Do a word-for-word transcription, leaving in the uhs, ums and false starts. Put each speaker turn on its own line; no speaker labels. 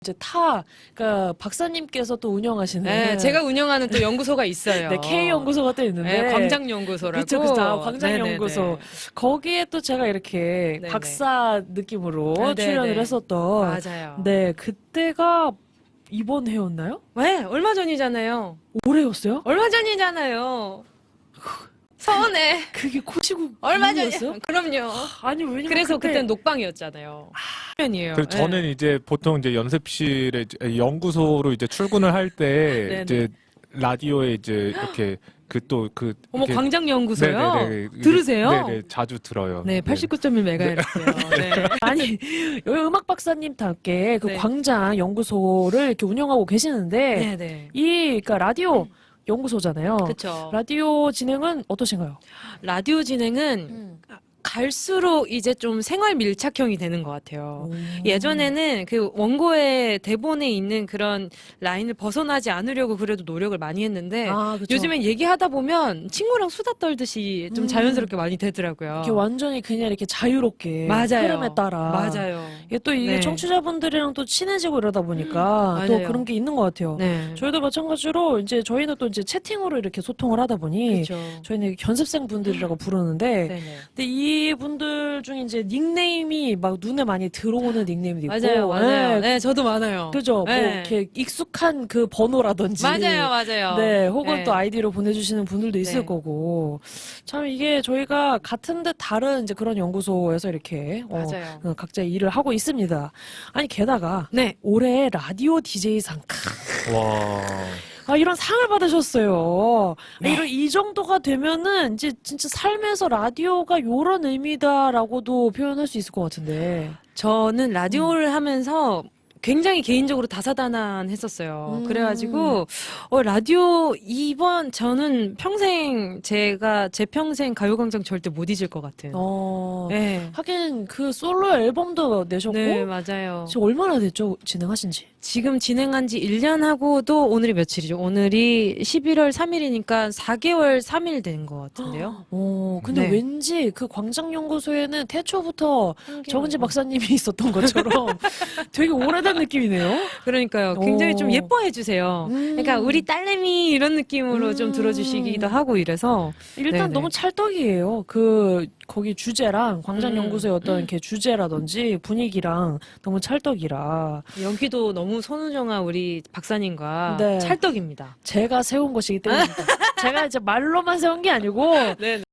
이제 타, 그러니까 박사님께서 또 운영하시는.
네, 제가 운영하는 또 연구소가 있어요.
네, K 연구소가 또 있는데.
네, 광장연구소라고.
그쵸, 그쵸. 아, 광장연구소. 거기에 또 제가 이렇게
네네.
박사 느낌으로
네네.
출연을 했었던.
맞아요.
네, 그때가 이번 해였나요?
왜? 얼마 전이잖아요.
올해였어요?
얼마 전이잖아요. 서운해.
그게 코시국
얼마
이후였어요?
전이요? 그럼요.
아니, 왜냐면
그래서
그때...
그때는 녹방이었잖아요. 편이에요.
그래서 저는 이제 보통 이제 연습실에 이제 연구소로 이제 출근을 할 때 이제 라디오에 이제 이렇게 그 또 그
어머 광장연구소요?
네네네.
들으세요?
네네 자주 들어요.
네, 팔십구 점 일 메가헤르츠요. 네.
아니 여기 음악 박사님답게 그
네.
광장 연구소를 이렇게 운영하고 계시는데
네, 네.
이 그러니까 라디오 연구소잖아요.
그렇죠.
라디오 진행은 어떠신가요?
라디오 진행은 갈수록 이제 좀 생활 밀착형이 되는 것 같아요.
오.
예전에는 그 원고의 대본에 있는 그런 라인을 벗어나지 않으려고 그래도 노력을 많이 했는데
아, 그쵸.
요즘엔 얘기하다 보면 친구랑 수다 떨듯이 좀
음.
자연스럽게 많이 되더라고요.
이렇게 완전히 그냥 이렇게 자유롭게
맞아요.
흐름에 따라
맞아요.
이게 또 이게
네.
청취자분들이랑 또 친해지고 이러다 보니까 또
맞아요.
그런 게 있는 것 같아요.
네.
저희도 마찬가지로 이제 저희는 또 이제 채팅으로 이렇게 소통을 하다 보니
그렇죠.
저희는 견습생 분들이라고 부르는데
네네.
근데 이 분들 중에 이제 닉네임이 막 눈에 많이 들어오는 닉네임도 있고
맞아요, 맞아요.
네.
네, 저도 많아요.
그죠?
네.
뭐 이렇게 익숙한 그 번호라든지
맞아요, 맞아요.
네, 혹은
네.
또 아이디로 보내주시는 분들도 있을
네.
거고 참 이게 저희가 같은 듯 다른 이제 그런 연구소에서 이렇게 어,
맞아요.
어, 각자 일을 하고 있습니다. 아니 게다가
네.
올해 라디오 디제이상
와.
아, 이런 상을 받으셨어요.
네.
이런 이 정도가 되면은 이제 진짜 삶에서 라디오가 요런 의미다라고도 표현할 수 있을 것 같은데.
저는 라디오를 하면서 굉장히 개인적으로 다사다난했었어요.
음.
그래가지고 어, 라디오 이번 저는 평생 제가 제 평생 가요광장 절대 못 잊을 것 같은.
어,
네.
하긴 그 솔로 앨범도 내셨고
네, 맞아요.
지금 얼마나 됐죠? 진행하신지.
지금 진행한 지 일 년 하고도 오늘이 며칠이죠? 오늘이 십일월 삼일이니까 사 개월 삼 일 된 것 같은데요.
어, 근데
네.
왠지 그 광장연구소에는 태초부터 정은지 박사님이 있었던 것처럼 되게 오래된 느낌이네요.
그러니까요. 굉장히
오.
좀 예뻐해 주세요.
음.
그러니까 우리 딸내미 이런 느낌으로
음.
좀 들어주시기도 하고 이래서
일단
네네.
너무 찰떡이에요. 그 거기 주제랑 광장연구소의
음.
어떤 이렇게 주제라든지 분위기랑 너무 찰떡이라
여기도 너무 손우정아 우리 박사님과
네.
찰떡입니다.
제가 세운 것이기 때문입니다. 제가 이제 말로만 세운 게 아니고
네.